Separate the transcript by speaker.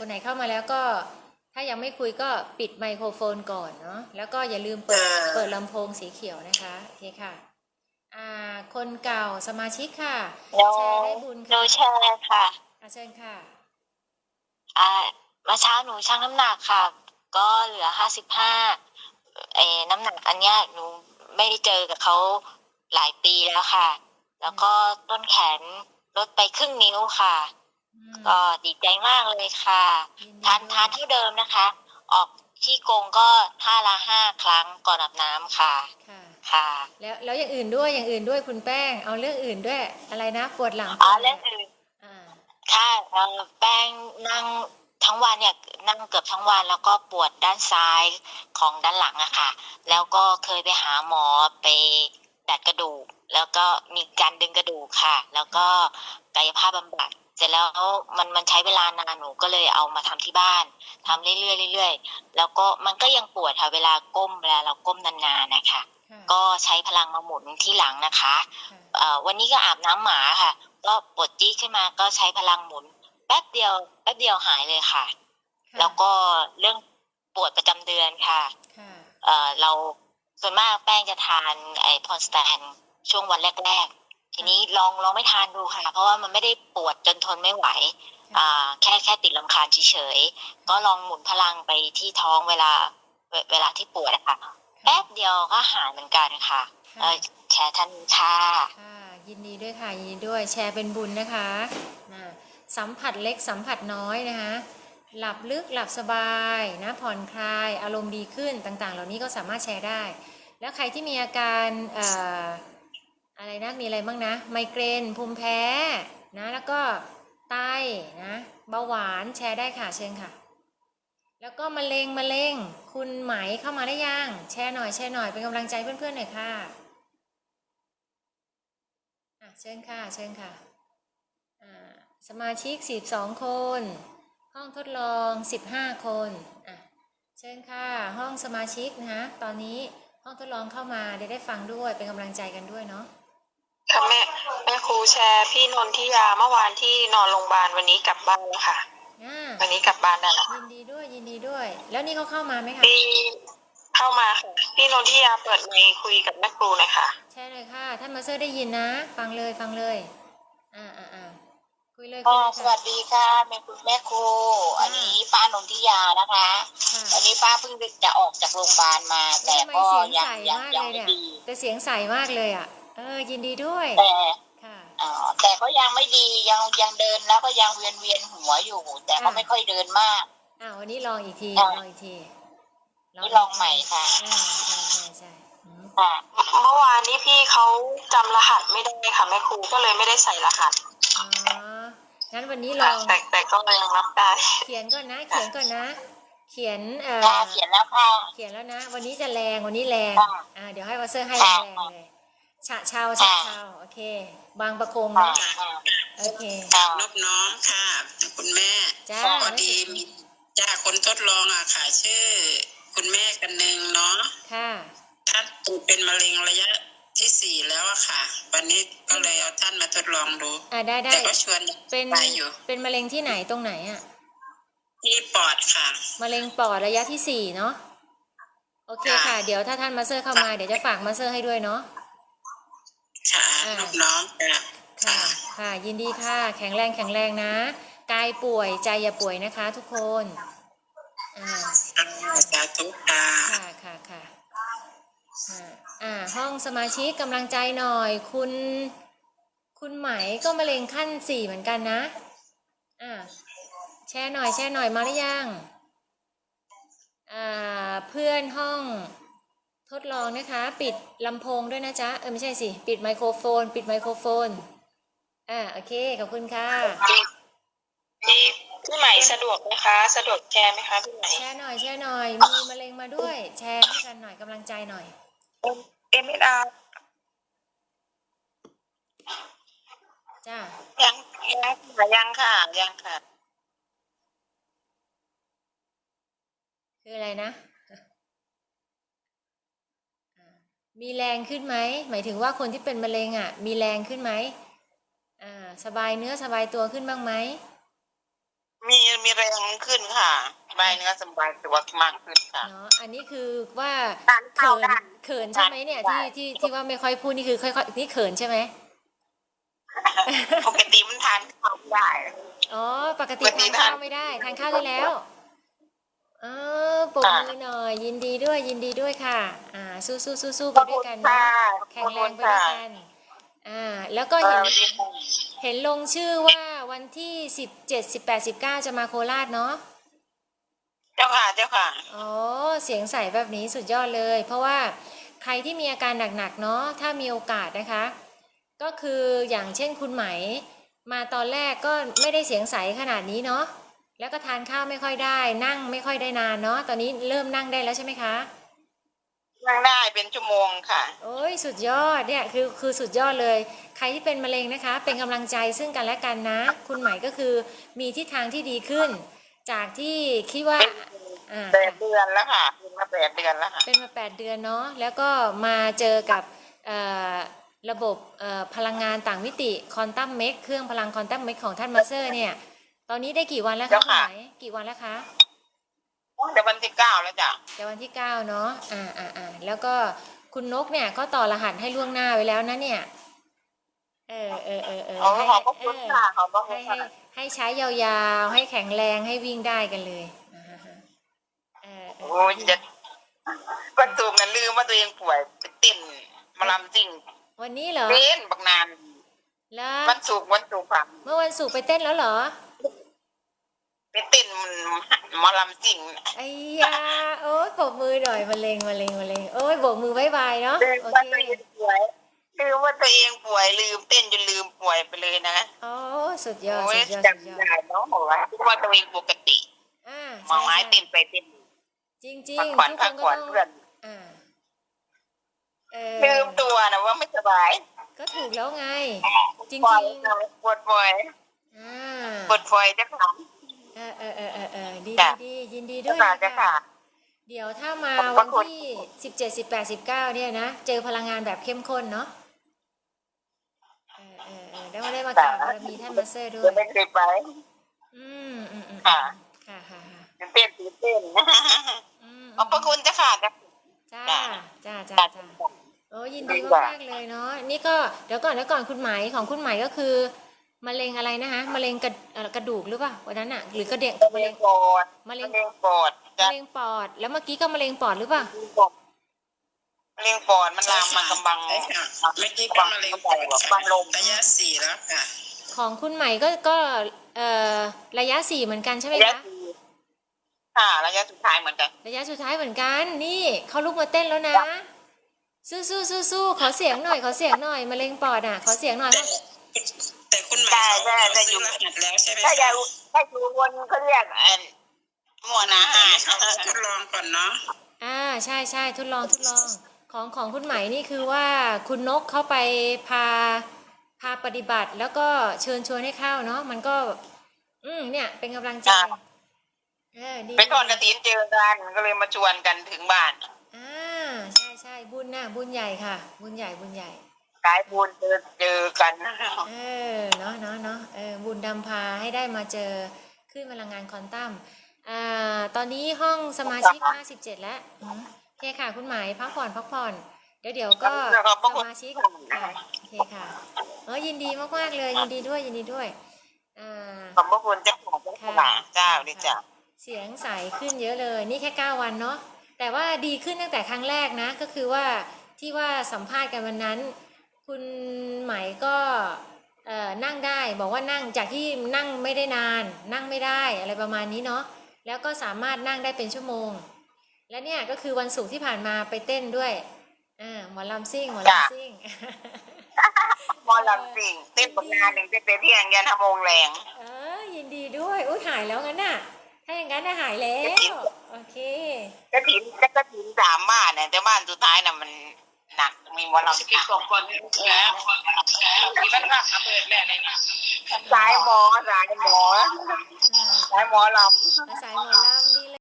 Speaker 1: คนไหนเข้ามาแล้วก็ถ้ายังไม่คุยก็ปิดไมโครโฟนก่อนเนาะแล้วก็อย่าลืมเปิดลำโพงสีเขียวนะคะโอเคค่ะคนเก่าสมาชิกค่ะแชร์ได้บุญค่ะ
Speaker 2: แชร์ค่ะ
Speaker 1: เชิญค่ะ
Speaker 2: เมื่อเช้าหนูชั่งน้ำหนักค่ะ ก็เหลือ55น้ำหนักอันเนี้ยหนูไม่ได้เจอกับเขาหลายปีแล้วค่ะ แล้วก็ต้นแขนลดไปครึ่งนิ้วค่ะก็ดีใจมากเลยค่ะทานเท่าเดิมนะคะ ออกที่กงก็ท่าละ5 ครั้งก่อนอาบน้ำค่ะ
Speaker 1: ค่ะแล้วอย่างอื่นด้วยคุณแป้งเอาเรื่องอื่นด้วยอะไรนะปวดหลัง
Speaker 2: เรื่องอื่นค่ะแป้งนั่งทั้งวันเนี่ยนั่งเกือบทั้งวันแล้วก็ปวดด้านซ้ายของด้านหลังอะค่ะแล้วก็เคยไปหาหมอไปดัดกระดูกแล้วก็มีการดึงกระดูกค่ะแล้วก็กายภาพบำบัดเสร็จแล้วมันใช้เวลานานหนูก็เลยเอามาทำที่บ้านทำเรื่อยๆแล้วก็มันก็ยังปวดค่ะเวลาเราก้มนานๆนะคะก็ใช้พลังมาหมุนที่หลังนะคะวันนี้ก็อาบน้ำหมาค่ะก็ปวดจี้ขึ้นมาก็ใช้พลังหมุนแป๊บเดียวหายเลยค่ะแล้วก็เรื่องปวดประจำเดือนค่ะเราส่วนมากแป้งจะทานพอนสแตนช่วงวันแรกๆทีนี้ลองไม่ทานดูค่ะเพราะว่ามันไม่ได้ปวดจนทนไม่ไหวแค่ติดรำคาญเฉยๆก็ลองหมุนพลังไปที่ท้องเวลาที่ปวดนะคะแป๊บเดียวก็หายเหมือนกันค่ะแชร์ท่านค่ะ
Speaker 1: ยินดีด้วยค่ะยินดีด้วยแชร์เป็นบุญนะคะสัมผัสเล็กสัมผัสน้อยนะคะหลับลึกหลับสบายนะผ่อนคลายอารมณ์ดีขึ้นต่างๆเหล่านี้ก็สามารถแชร์ได้แล้วใครที่มีอาการอะไรนะมีอะไรบ้างนะไมเกรนภูมิแพ้นะแล้วก็ไตนะเบาหวานแชร์ได้ค่ะเชิญค่ะแล้วก็มะเร็งคุณไหมเข้ามาได้ยังแชร์หน่อยเป็นกำลังใจเพื่อนๆหน่อยค่ะเชิญค่ะสมาชิก12 คนห้องทดลอง15 คนเชิญค่ะห้องสมาชิกนะคะตอนนี้ห้องทดลองเข้ามาได้ฟังด้วยเป็นกำลังใจกันด้วยเนาะ
Speaker 2: ค่ะแม่ครูแชร์พี่นนทิยาเมื่อวานที่นอนโรงพยาบาลวันนี้กลับบ้านแล้วค่ะวันนี้กลับบ้านได้แล้ว
Speaker 1: ยินดีด้วยแล้วนี่เขาเข้ามาไหมคะ
Speaker 2: เข้ามาค่ะพี่นนทิยาเปิดไมค์คุยกับแม่ครูเลยค่ะ
Speaker 1: ใช่เลยค่ะท่านมาสเตอร์ได้ยินนะฟังเลยคุยเลย
Speaker 2: สวัสดีค่ะแม่ครูอันนี้ป้านนทิยานะคะอันนี้ป้าเพิ่งจะออกจากโรงพยาบาลมาแต่ก็ยังไม่ดี
Speaker 1: แต่เสียงใสมากเลยยินดีด้วย
Speaker 2: แต่ก็ยังไม่ดียังเดินแล้วก็ยังเวียนหัวอยู่แต่ก็ไม่ค่อยเดินมาก
Speaker 1: วันนี้ลองอีกที
Speaker 2: นี่ลองใหม่ค่ะ
Speaker 1: ใช่
Speaker 2: เมื่อวานนี้พี่เขาจำรหัสไม่ได้ค่ะแม่ครูก็เลยไม่ได้ใส่รหัส
Speaker 1: งั้นวันนี้ลอง
Speaker 2: แต่ก็ยังรับได้
Speaker 1: เขียนก่อนนะเขียนแล้วค่ะเขียนแล้วนะวันนี้จะแรงวันนี้แรงเดี๋ยวให้วอเซอร์ให้แรงเลยฉะเชาโอเคบางประกงนะโอเคน
Speaker 3: บน้องค่ะคุณแม่พอดีมีคนทดลองค่ะ ชื่อคุณแม่กันนึงเนาะ
Speaker 1: ค่ะ
Speaker 3: ท่านเป็นมะเร็งระยะที่4แล้วค่ะวันนี้ก็เลยเอาท่านมาทดลองดู
Speaker 1: ได้
Speaker 3: แต่ก็ชวนไปอยู่
Speaker 1: เป็นมะเร็งที่ไหนตรงไหน
Speaker 3: ที่ปอดค่ะ
Speaker 1: มะเร็งปอดระยะที่4เนาะโอเคค่ะเดี๋ยวถ้าท่านมาเซอร์เข้ามาเดี๋ยวจะฝากมาเซอร์ให้ด้วยเนาะ
Speaker 3: ค่ะลูกน้อง
Speaker 1: ค่ะยินดีค่ะแข็งแรงนะกายป่วยใจอย่าป่วยนะคะทุกคน
Speaker 3: สาธุค่ะ
Speaker 1: ห้องสมาชิกกำลังใจหน่อยคุณไหมก็มะเร็งขั้น4เหมือนกันนะแชร์หน่อยมาหรือยังเพื่อนห้องทดลองนะคะปิดลำโพงด้วยนะจ๊ะไม่ใช่สิปิดไมโครโฟนโอเคขอบคุณค่ะ
Speaker 2: พี่ใหม่สะดวกไหมคะสะดวกแชร์ไหมคะพี่ใหม่
Speaker 1: แชร์หน่อยมีมะเร็งมาด้วยแชร์ให้กันหน่อยกำลังใจหน่อย
Speaker 2: MSR
Speaker 1: จ้า
Speaker 2: ยังค่ะ
Speaker 1: คืออะไรนะมีแรงขึ้นไหมหมายถึงว่าคนที่เป็นมะเร็งมีแรงขึ้นไหมสบายเนื้อสบายตัวขึ้นบ้างไหม
Speaker 3: มีแรงขึ้นค่ะใบเนื้อสบายตัวมากขึ้นค่ะ
Speaker 1: เนาะอันนี้คือว่า
Speaker 3: ทานข้า
Speaker 1: เขิ
Speaker 3: วน ได้
Speaker 1: เขินใช่ไหมเนี่ยที่ว่าไม่ค่อยพูดนี่คือค่อยๆนี่เขินใช่ไหม
Speaker 3: ปกติมันทานข้าวไม่ได้
Speaker 1: อ๋อปกติ
Speaker 3: ปกติ
Speaker 1: ทานข้าว
Speaker 3: ทาน
Speaker 1: ไม่ได้ทานข้าวได้แล้วเออปรบมือหน่อยยินดีด้วยยินดีด้วยค่ะสู้ไปด้วยกันนะแข็งแรงไปด้วยกันแล้วก็เห็นลงชื่อว่าวันที่17 18 19จะมาโคราชเนาะ
Speaker 3: เจ้าค่ะเจ้าค่ะ
Speaker 1: อ๋อเสียงใสแบบนี้สุดยอดเลย เพราะว่าใครที่มีอาการหนักๆเนาะถ้ามีโอกาสนะคะ ก็คืออย่างเช่นคุณไหมมาตอนแรกก็ไม่ได้เสียงใสขนาดนี้เนาะแล้วก็ทานข้าวไม่ค่อยได้นั่งไม่ค่อยได้นานเนาะตอนนี้เริ่มนั่งได้แล้วใช่ไหมคะ
Speaker 3: นั่งได้เป็นชั่วโมงค่ะ
Speaker 1: โอ้ยสุดยอดเนี่ยคือสุดยอดเลย ใครที่เป็นมะเร็งนะคะ เป็นกำลังใจซึ่งกันและกันนะ คุณไหมก็คือมีทิศทางที่ดีขึ้น จากที่คิดว่า
Speaker 3: 8 เดือนแล้วค่ะเป็นมา8 เดือนแล้วค่ะ
Speaker 1: เป็นมา8 เดือนเนาะแล้วก็มาเจอกับระบบพลังงานต่างมิติคอนตัมเมกเครื่องพลังคอนตัมเมกของท่านมาสเตอร์เนี่ยตอนนี้ได้กี่วันแล้วคะคุณไหมกี่วันแล้วคะ
Speaker 3: เดี๋ยววันที่9แล้วจ้ะ
Speaker 1: เดี๋ยววันที่9เนาะแล้วก็คุณนกเนี่ยก็ต่อรหัสให้ล่วงหน้าไว้แล้วนะเนี่ย
Speaker 3: ขอบพระคุณค่ะขอบพระคุณค่ะ
Speaker 1: ให้ใช้ยาวๆให้แข็งแรงให้วิ่งได้กันเลย
Speaker 3: โอ้ยจะวันศุกร์นั้นลืมว่าตัวเองป่วยไปเต้นหมาลำจริง
Speaker 1: วันนี้เหรอ
Speaker 3: เต้นบักนาน
Speaker 1: แล้ว
Speaker 3: วันศุกร์ค่ะ
Speaker 1: เมื่อวันศุกร์ไปเต้นแล้วเหรอ
Speaker 3: ไปเต้นหมอลำจริง
Speaker 1: ไอ้ยาโอ้ยโบกมือหน่อยมะเร็งโอ้ยโบกมือบายบายเนาะ
Speaker 3: ลืม
Speaker 1: โอ
Speaker 3: ว่า
Speaker 1: เค
Speaker 3: ตัวเองป่วยลืมเต้นจนลืมป่วยไปเลยนะ
Speaker 1: อ๋อสุดยอด
Speaker 3: โอ้ย
Speaker 1: สุดยอด
Speaker 3: จำได้เนาะว่าคิดว่าตัวเองปกติมองไม้เต้นไปเต้น
Speaker 1: จริง
Speaker 3: พัก
Speaker 1: ๆ
Speaker 3: ผ่อน
Speaker 1: ทุกคนก็ต้อง
Speaker 3: เพื่อนลืมตัวนะว่าไม่สบาย
Speaker 1: ก็ถูกแล้วไง จริง
Speaker 3: ปวด
Speaker 1: ๆ
Speaker 3: ปวดป่วยปวดป่วยจะถาม
Speaker 1: ดียินดีด้วย
Speaker 3: จะ
Speaker 1: ค่ะ
Speaker 3: ค่ะ
Speaker 1: เดี๋ยวถ้ามาวันที่17 18 19เนี่ยนะเจอพลังงานแบบเข้มข้นเนาะได้มากราบบารมีท่านมาสเตอร์ด้วย
Speaker 3: ไม่เคยไป
Speaker 1: ค่ะ
Speaker 3: เต้นขอบพระคุณจ้ะค่ะ
Speaker 1: จ้าโอ้ยินดีมากๆเลยเนาะนี่ก็เดี๋ยวก่อนคุณไหมของคุณไหมก็คือมะเร็งอะไรนะคะมะเร็งกระดูกหรือเปล่าวันนั้นอะหรือกระเด็กมะเร็งปอดมะเร็งปอดแล้วเมื่อกี้ก็มะเร็งปอดหรือเปล่าม
Speaker 3: ะเร็งปอดมันลามมากำบัง ไม่กี่ก็มะเร็งปอดบังลมระยะ 4แล้วค่ะ
Speaker 1: ของคุณใหม่ก็ระยะ 4เหมือนกันใช่ไหมคะ
Speaker 3: ค่ะระยะสุดท้ายเหมือนกัน
Speaker 1: นี่เขาลุกมาเต้นแล้วนะสู้ขอเสียงหน่อยมะเร็งปอดอ่ะขอเสียงหน่อย
Speaker 3: แต่คุณหมายเขาซื้อรหัสแล้วใช่ไหมคะถ้าอยู่วนเขาเรียกหมวดอาหารเขาทดลองก่อนเนาะ
Speaker 1: ใช่ทดลองของคุณไหมนี่คือว่าคุณนกเข้าไปพาปฏิบัติแล้วก็เชิญชวนให้เข้าเนาะมันก็เนี่ยเป็นกำลังใจ
Speaker 3: ไปทอดกฐินเจอกันก็เลยมาชวนกันถึงบ้าน
Speaker 1: ใช่บุญนะบุญใหญ่ค่ะบุญใหญ่
Speaker 3: กายบุญเจอกัน
Speaker 1: เนาะบุญนำพาให้ได้มาเจอขึ้นพลังงานควอนตัมตอนนี้ห้องสมาชิก57แล้วโอเคค่ะคุณหมายพักผ่อนเดี๋ยวก็สมาชิกโอเคค่ะยินดีมากๆเลยยินดีด้วย
Speaker 3: ขอบคุณเจ้าของเจ้าดิจ้ะ
Speaker 1: เสียงใสขึ้นเยอะเลยนี่แค่9 วันเนาะแต่ว่าดีขึ้นตั้งแต่ครั้งแรกนะก็คือว่าที่ว่าสัมภาษณ์กันวันนั้นคุณไหมก็นั่งได้บอกว่านั่งจากที่นั่งไม่ได้นานนั่งไม่ได้อะไรประมาณนี้เนาะแล้วก็สามารถนั่งได้เป็นชั่วโมงและเนี่ยก็คือวันศุกร์ที่ผ่านมาไปเต้นด้วยหมอลำซิ่งหมอลำซิ่ง
Speaker 3: เต้นบนงานหนึ่งเต้นเที่ยงยัน5 โมงแรง
Speaker 1: ยินดีด้วยอุ้ยหายแล้วงั้นน่ะถ้าอย่างนั้นหายแล้วโอเค
Speaker 3: กฐิน3 บ้านเนี่ยแต่บ้านสุดท้ายน่ะมันหนักมีหมอลำที่2 คนแล้วที่มันหักเปิดแหละเลยนะสายหมอลำ
Speaker 1: สายหมอลำดี